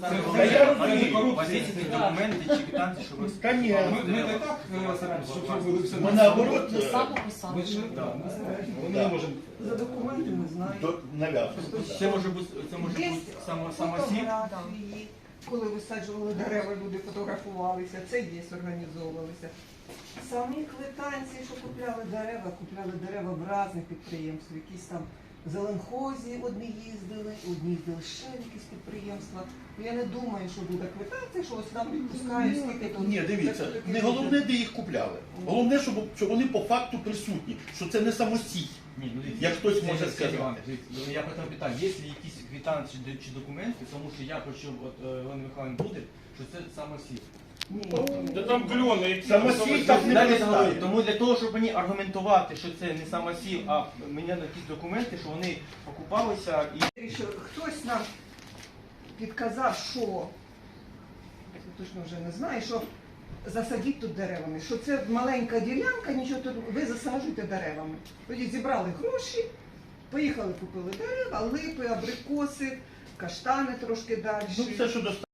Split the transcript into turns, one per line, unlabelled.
У вас є якісь документи чи квитанції, що ви...
Ми не так стараємося, щоб зробили все.
Ми наоборот,
Ми не можемо.
За документи не знаю.
нав'язуємо.
Це може бути самосів?
Фотографії, коли висаджували дерева, люди фотографувалися, це є, організовувалися. Самі квитанції, що купляли дерева в різних підприємствах, якісь там в Зеленхозі одні їздили ще в якісь підприємства. Я не думаю, що буде квитанція, що ось нам відпускають скільки тут.
Ні, дивіться, не головне, де їх купляли. Головне, щоб вони по факту присутні, що це не самостій.
Ні, ну
Як хтось може сказати.
Я потім питаю, є ли якісь квитанції чи документи, тому що я почув, от Іван Михайлович буде, що це самосів.
Та там кльони, які
Самосій так не
Далі
представить.
говорю, тому для того, щоб мені аргументувати, що це не самосів, а мені якісь документи, що вони покупалися і...
Що хтось нам підказав, що, я точно вже не знаю, що засадіть тут деревами, що це маленька ділянка, нічого тут, ви засаджуєте деревами. Тоді зібрали гроші, поїхали, купили дерева, липи, абрикоси, каштани трошки далі.
Ну, все, що достатньо.